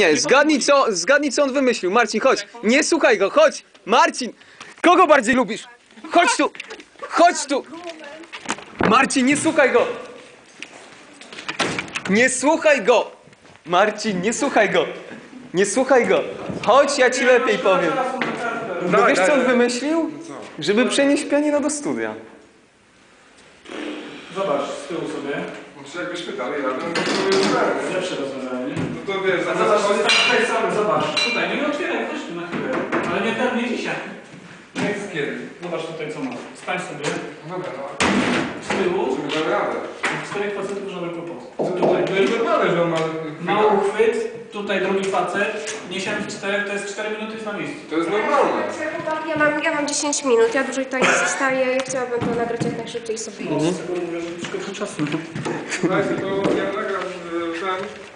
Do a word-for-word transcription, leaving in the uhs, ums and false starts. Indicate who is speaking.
Speaker 1: Nie, zgadnij co, zgadnij co on wymyślił. Marcin, chodź. Nie słuchaj go, chodź. Marcin, kogo bardziej lubisz? Chodź tu, chodź tu. Marcin, nie słuchaj go. Nie słuchaj go. Marcin, nie słuchaj go. Nie słuchaj go. Chodź, ja ci lepiej powiem. No wiesz co on wymyślił? Żeby przenieść pianino do studia.
Speaker 2: Zobacz, z tyłu sobie.
Speaker 3: Znaczy jakbyśmy dalej razem, to to jest realne.
Speaker 2: Lepsze rozwiązanie.
Speaker 3: No to wiesz,
Speaker 2: A zobacz, to jest tutaj sam, zobacz. Tutaj, no nie otwieraj, chodź tu na chwilę. Ale nie ten, nie dzisiaj.
Speaker 3: jest kiedy.
Speaker 2: Zobacz tutaj co masz. Stań sobie
Speaker 3: Dobra, no.
Speaker 2: z tyłu.
Speaker 3: Żeby damy radę.
Speaker 2: Czterech facetów żaden kłopot.
Speaker 3: Tutaj, to jest normalne, że on ma...
Speaker 2: Mały uchwyt, tutaj drugi facet. Niesiemy w czterech, to jest cztery minuty jest na miejscu.
Speaker 3: To jest normalne.
Speaker 4: Ja mam, ja mam dziesięć minut, ja dłużej tutaj nie zostaję, ja chciałabym to nagrać jak najszybciej sobie.
Speaker 2: Z tego mówię, że szkoda czasu.
Speaker 3: Słuchajcie, to ja nagram y, ten...